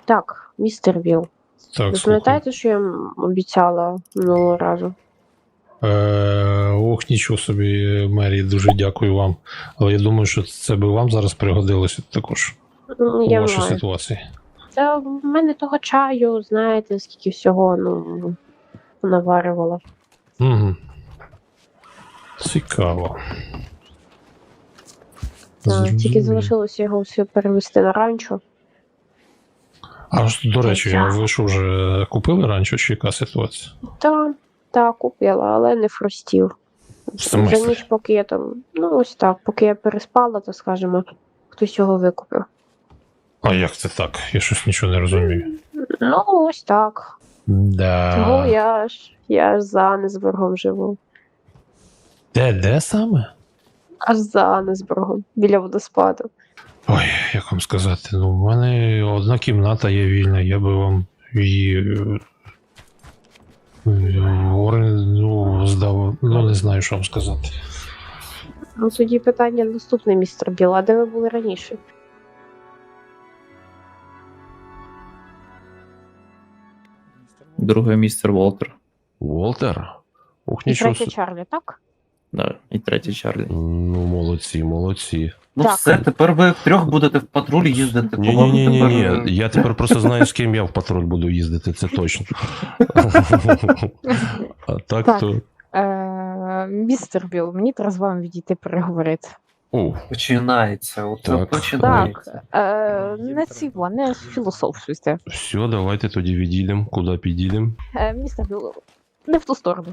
Так, містер Вілл. Так, Ви слухай. пам'ятаєте, що я вам обіцяла минулого разу? Ох, нічого собі, Мері, дуже дякую вам. Але я думаю, що це би вам зараз пригодилося також у Я вашій маю. ситуації. Це в мене того чаю, знаєте, скільки всього, наварювала. Угу. Цікаво. Тільки Зрозумів. залишилося його все перевести на ранчо. А ж, до речі, Я- ви що вже купили ранчо, чи яка ситуація? Так, купила, але не фростів. В смислі? За ніч, поки я там, ось так, поки я переспала, то скажімо, хтось його викупив. А як це так? Я щось нічого не розумію. Ось так. Да. Тому я ж за Аннесбургом живу. Де саме? Аж за Аннесбургом, біля водоспаду. Ой, як вам сказати, в мене одна кімната є вільна, я би вам її здав, не знаю, що вам сказати. Тоді питання наступне, містер Біл, а де ви були раніше? Другий містер Волтер. Волтер? Ух, І нічого третє собі. Чарлі, так? Да, і третій Чарлі. Ну, молодці. Ну Так. все, тепер ви втрьох будете в патрулі їздити. по-моєму, Ні. тепер- Я тепер просто знаю, з ким я в патруль буду їздити, це точно. А так Так. то. Містер Біл, мені треба з вами відійти переговорити. О, Починається, от Так. починається. Не філософствуйте. все, давайте тоді відійдемо, куди підійдемо. Містер Біл, не в ту сторону.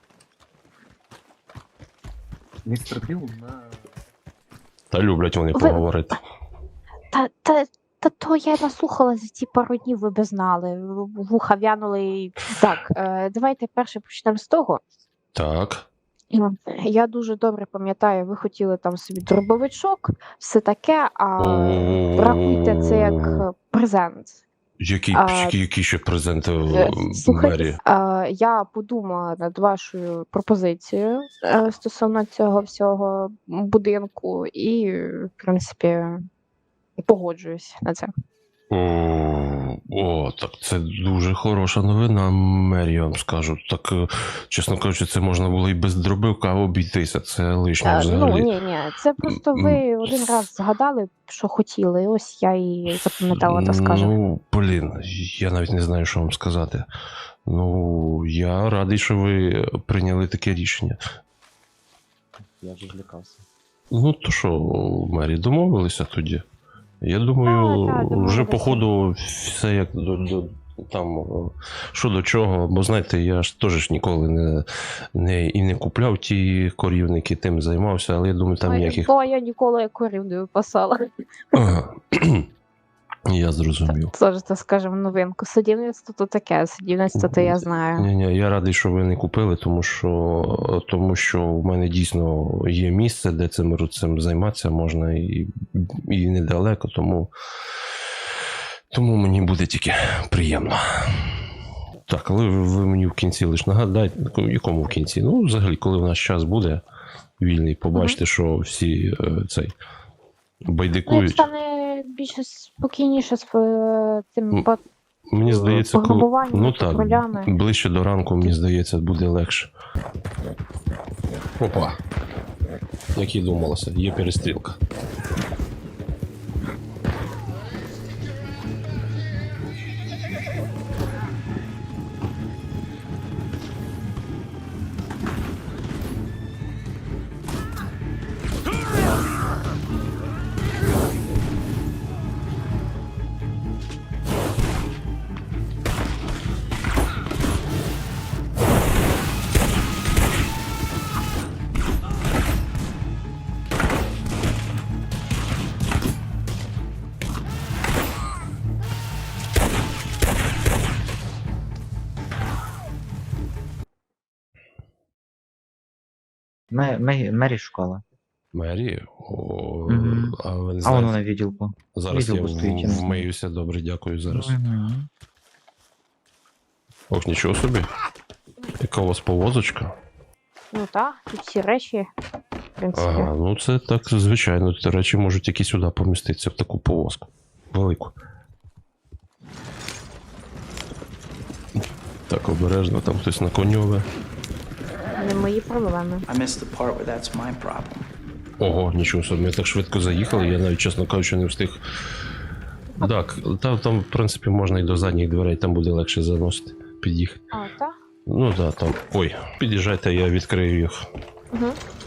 Містер Біл на... Та люблять вони Ви- поговорити. Та то я наслухала за ті пару днів, ви б знали. Вуха в'янули і... Так, давайте перше почнемо з того. Так. Я дуже добре пам'ятаю, ви хотіли там собі дробовичок, все таке, а рахуйте це як презент. Які ще презенти Слухайте, Мері? я подумала над вашою пропозицією стосовно цього всього будинку і, в принципі, погоджуюсь на це. О, так це дуже хороша новина, Мері, я вам скажу. Так, чесно кажучи, це можна було і без дробивка обійтися, це лишнє взагалі. Ні, це просто ви один раз згадали, що хотіли, і ось я і запам'ятала, так скажемо. Я навіть не знаю, що вам сказати. Я радий, що ви прийняли таке рішення. Я вже злякався. То що, Мері, домовилися тоді? Я думаю, Так, вже домовилися. по ходу все як там, що до чого, бо знаєте, я ж теж ніколи не купляв ті корівники, тим займався, але я думаю, там ніяких... Бо я ніколи корів не випасала. Ага. Я зрозумів. Це ж, так скажемо, новинку. Садівництво то таке, садівництво то я знаю. Ні, я радий, що ви не купили, тому що в мене дійсно є місце, де цим займатися можна і недалеко, тому мені буде тільки приємно. Так, але ви мені в кінці лише нагадайте, якому в кінці? Взагалі, коли в нас час буде вільний, побачите, що всі Як байдикують. стане більше спокійніше з цим Мені здається, пограбуванням, так, патрулями. ближче до ранку, мені здається, буде легше. Опа. Як і думалося, є перестрілка. Мері шукала. Мері? Мгм. А ви не А воно знаєте? на відділку. Зараз я відділку стоїть, я не знаю. вмиюся, добре, дякую зараз. Мгм. Ох, нічого собі. Яка у вас повозочка? Так, тут всі речі, в принципі. Ага, це так, звичайно, ті речі можуть тільки сюди поміститися, в таку повозку. Велику. Так, обережно, там хтось на коньове. Не мої проблеми. I missed the part where that's my problem. Ого, нічого собі, ми так швидко заїхали, я навіть, чесно кажучи, не встиг. Так, там, в принципі, можна і до задніх дверей, там буде легше заносити, під'їхати. А, так? Ну так, там. Ой, під'їжджайте, я відкрию їх. Угу.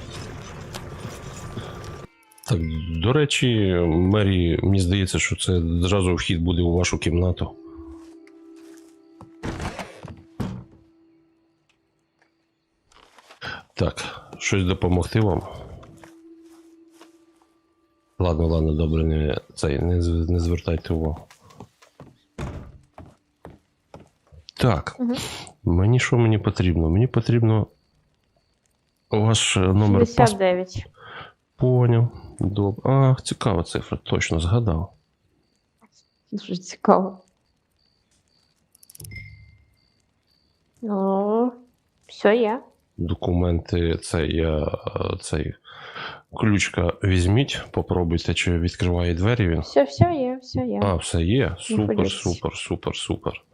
Так, до речі, Мері, мені здається, що це зразу вхід буде у вашу кімнату. Так, щось допомогти вам? Ладно, добре, не звертайте увагу. Так, Угу. мені потрібно? Мені потрібно ваш номер паспорту. 69. Поняв. Добре. Ах, цікава цифра, точно згадав. Дуже цікаво. Ну, все є. Документи, цей ключка візьміть, попробуйте, чи відкриває двері він. Все є, все є. А, все є. Супер, хвилюйтесь. супер, супер, супер.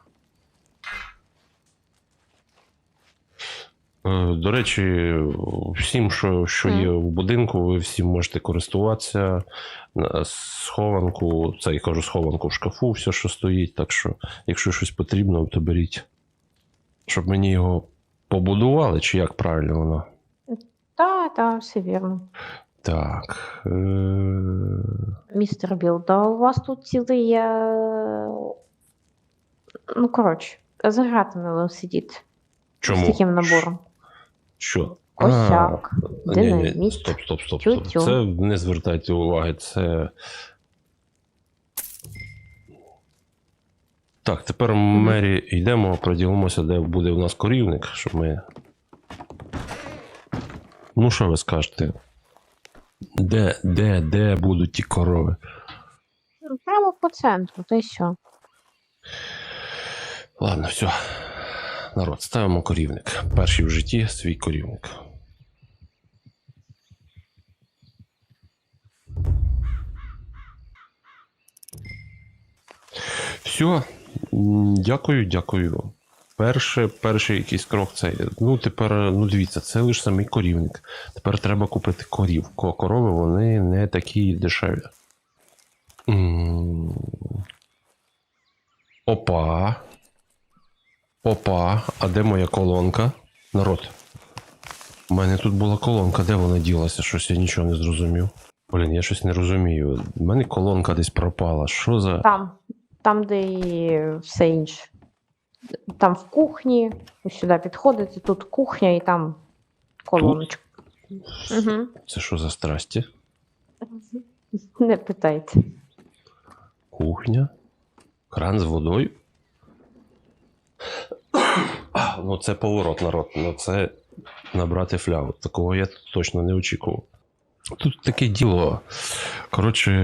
До речі, всім, що є в будинку, ви всім можете користуватися. Схованку, це я кажу, схованку в шкафу, все, що стоїть. Так що, якщо щось потрібно, то беріть. Щоб мені його побудували, чи як правильно воно? Так, все вірно. Так. Містер Білл, да у вас тут цілий є. Ну, коротше, за гратами сидіти. З Чому? таким набором. Що? Косяк, Ні, динаміт, стоп. тютю. Це не звертайте уваги, це. Так, тепер Мері йдемо, проділимося, де буде у нас корівник, щоб ми. Ну, що ви скажете? Де будуть ті корови? Прямо по центру, та й що? Ладно, все. Народ, ставимо корівник. Перший в житті свій корівник. Все. Дякую. Перший якийсь крок цей. Ну, тепер, дивіться, це лише самий корівник. Тепер треба купити корів. Корови, вони не такі дешеві. Опа, а де моя колонка? Народ. У мене тут була колонка, де вона ділася? Щось я нічого не зрозумів. Блін, я щось не розумію. У мене колонка десь пропала. Що за. Там, де і все інше. Там в кухні, ось сюди підходите, тут кухня і там колоночка. Угу. Це що за страсті? Не питайте. Кухня? Кран з водою? Ну, це поворот, народ. Ну, це набрати флягу. Такого я точно не очікував. Тут таке діло. Коротше,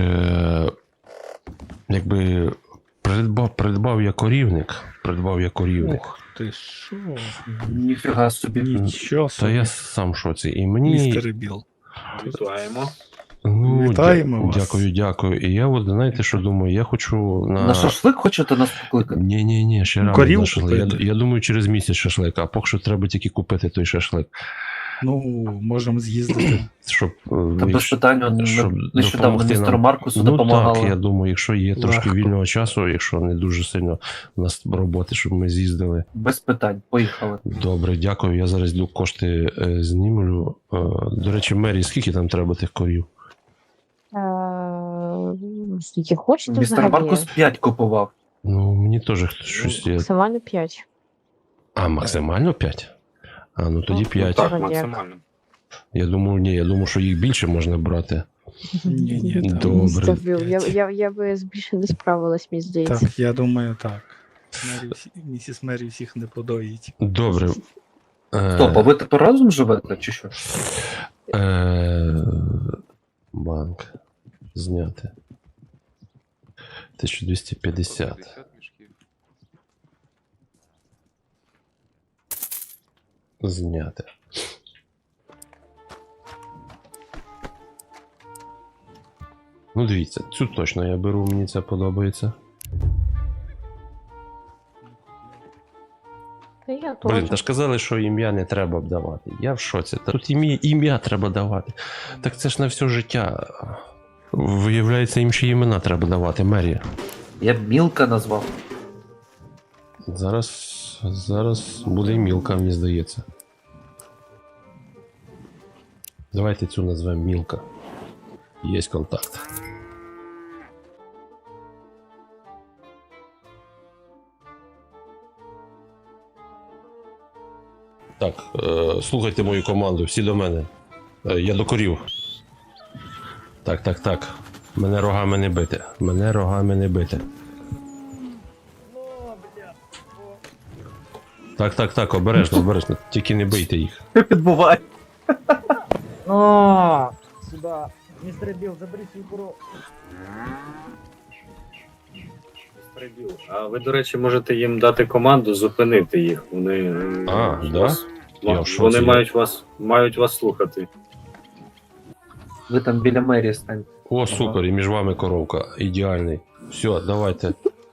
якби придбав я корівник. Ух ти що? Ніфіга собі. Нічого Та собі. я сам в шоці. І мені. Містер Біл. Вітаємо. Ну, Вітаємо вас. Дякую. І я от, знаєте, що думаю, я хочу На шашлик хочете нас покликати? Ні, ще рано Корів на шашлик. купити? Я думаю, через місяць шашлик, а поки що треба тільки купити той шашлик. Ну, можемо з'їздити. Щоб, Та без питань, щоб нещодавно допомогти містеру нам. Маркусу Ну допомагали. так, я думаю, якщо є трошки Легко. вільного часу, якщо не дуже сильно у нас роботи, щоб ми з'їздили. Без питань, поїхали. Добре, дякую. Я зараз йду кошти знімлю. До речі, Мері, скільки там треба тих корів? Скільки хочете Містер взагалі? Маркус 5 купував. Ну, мені теж щось є. Максимально 5. А, максимально 5? А, ну тоді Ну, 5. Так, Як? максимально. Я думав, що їх більше можна брати. Ні, там. Добре. Я би більше не справилась, мені здається. Так, я думаю, так. Місіс Мері всіх не подоїть. Добре. Стоп, а ви тепер разом живете, чи що? Банк. Зняти. 1250. Зняти. Ну, дивіться, цю точно я беру, мені це подобається. Блін, теж. та ж казали, що ім'я не треба давати. Я в шоці. Та тут ім'я треба давати. Так це ж на все життя. Виявляється, їм ще імена треба давати, Мері. Я б Мілка назвав. Зараз буде і Мілка, мені здається. Давайте цю назвемо Мілка. Є контакт. Так, слухайте мою команду, всі до мене. Я до корів. Так. Мене рогами не бити. Мене рогами не бити. Так, обережно. Тільки не бийте їх. Що відбувається? О, сюда. Містер Біл, забери свій корову. А ви, до речі, можете їм дати команду зупинити їх. Вони Да? Я в шоці. вони мають вас слухати. Ви там біля мерії станьте. О, супер, і між вами коровка. Ідеальний. Все, давайте.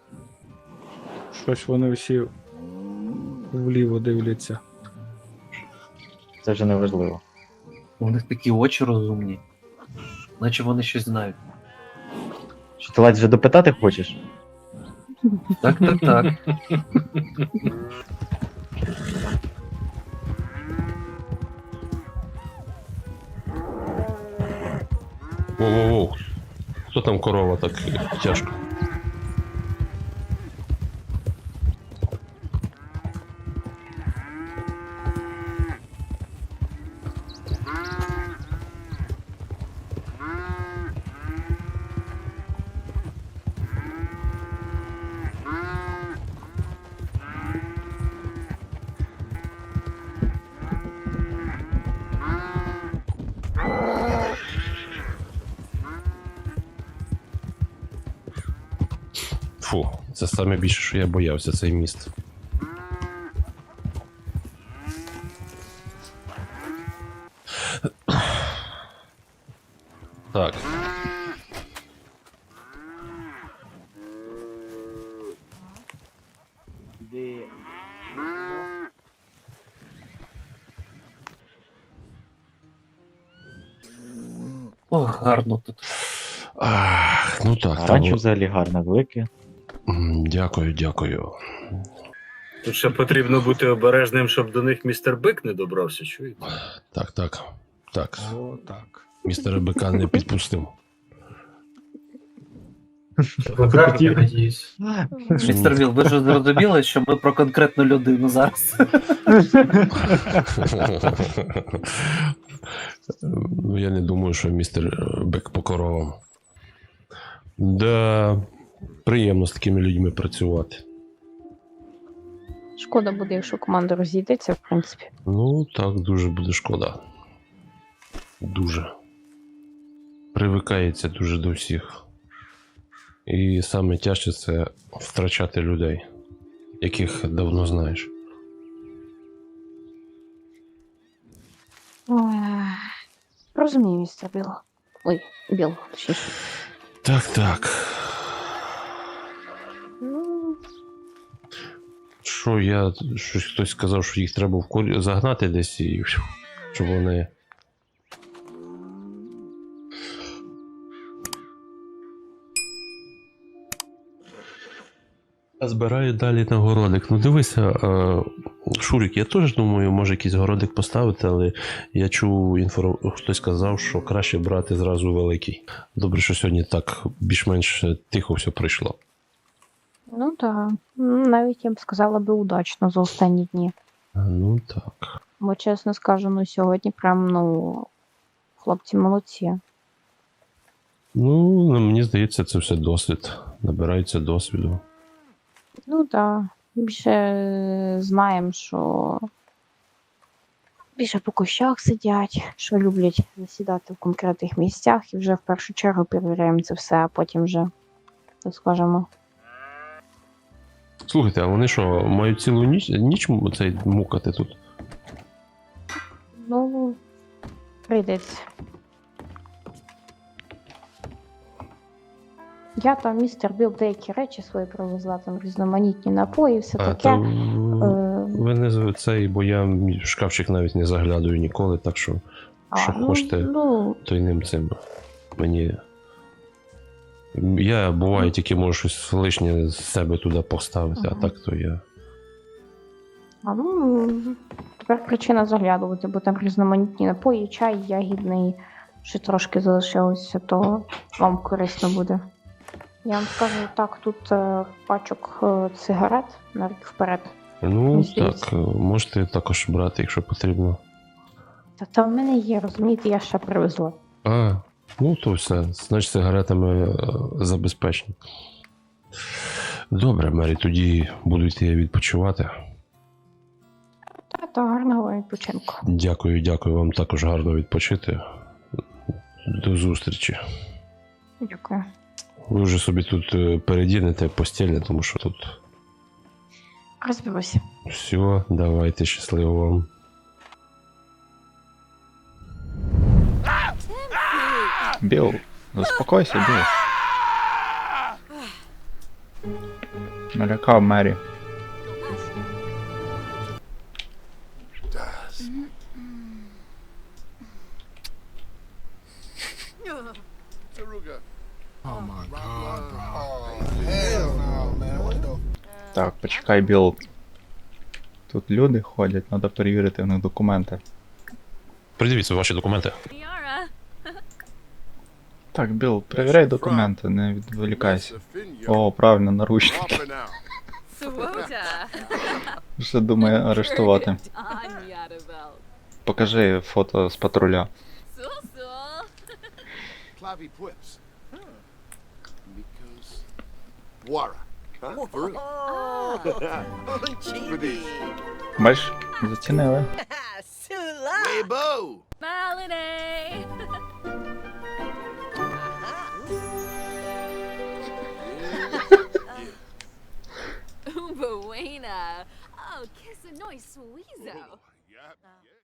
Щось вони всі вліво дивляться. Це вже не важливо. У них такі очі розумні. Наче вони щось знають. Що ти ледь вже допитати хочеш? Так. Воу. Хто там корова так тяжко? Фу, це саме більше, що я боявся, цей міст. Так. Ох, гарно тут. Ну так. Ранчо взагалі гарне, велике. Дякую. Тут ще потрібно бути обережним, щоб до них містер Бик не добрався, чуєте? Так. О, так. Містера Бика не підпустив. Містер Віл, ви ж зрозуміли, що ми про конкретну людину зараз. Ну, я не думаю, що містер Бек по коровам. Да, приємно з такими людьми працювати. Шкода буде, якщо команда розійдеться, в принципі. Ну, так, дуже буде шкода. Дуже. Привикається дуже до всіх. І саме тяжче це втрачати людей, яких давно знаєш. Розумію, містер Біл. Ой, Біл, точніше. Так. Ну, Що щось хтось сказав, що їх треба загнати десь і щоб вони. А збираю далі на городик. Ну дивися, Шурик, я теж думаю, може якийсь городик поставити, але я чув хтось сказав, що краще брати зразу великий. Добре, що сьогодні так більш-менш тихо все пройшло. ну так. Навіть я б сказала би удачно за останні дні. Ну так. Бо, чесно скажу, ну сьогодні прям, хлопці молодці. Ну, мені здається, це все досвід. Набирається досвіду. Ну так. Більше знаємо, що більше по кущах сидять, що люблять засідати в конкретних місцях, і вже в першу чергу перевіряємо це все, а потім вже, так скажемо. Слухайте, а вони що, мають цілу ніч цей мукати тут? Ну, прийдеться. Я там, містер Біл, деякі речі свої привезла, там різноманітні напої, все таке. ви не цей, бо я в шкафчик навіть не заглядаю ніколи, так що що хочете, Ну, то й ним цим. Мені. Я буває тільки можу щось лишнє з себе туди поставити, а Ага. так то я. Тепер причина заглядувати, бо там різноманітні напої, чай, ягідний, ще трошки залишилося, то вам корисно буде. Я вам скажу так, тут пачок цигарет на рік вперед. Ну, Мені здається. так, можете також брати, якщо потрібно. Та в мене є, розумієте, я ще привезла. А, ну то все, значить сигаретами забезпечені. Добре, Мері, тоді буду йти відпочивати. Та гарного відпочинку. Дякую вам також гарно відпочити. До зустрічі. Дякую. Ви вже собі тут передінете постільне, тому що тут Розберуся. все, давайте, щасливо вам. Біл, заспокойся, Біл. Налякав Мері. Так, почекай, Біл. Тут люди ходять, треба перевірити в них документи. Придивіться ваші документи. Так, Біл, перевіряй документи, не відволікайся. О, правильно, наручники. Вже думає арештувати. Покажи фото з патруля. Clavi Quips. Miko's Wara. Huh? For real? Бачиш, зацінили. Weibo! Buena. Oh, kiss a nice sweezo. Yeah.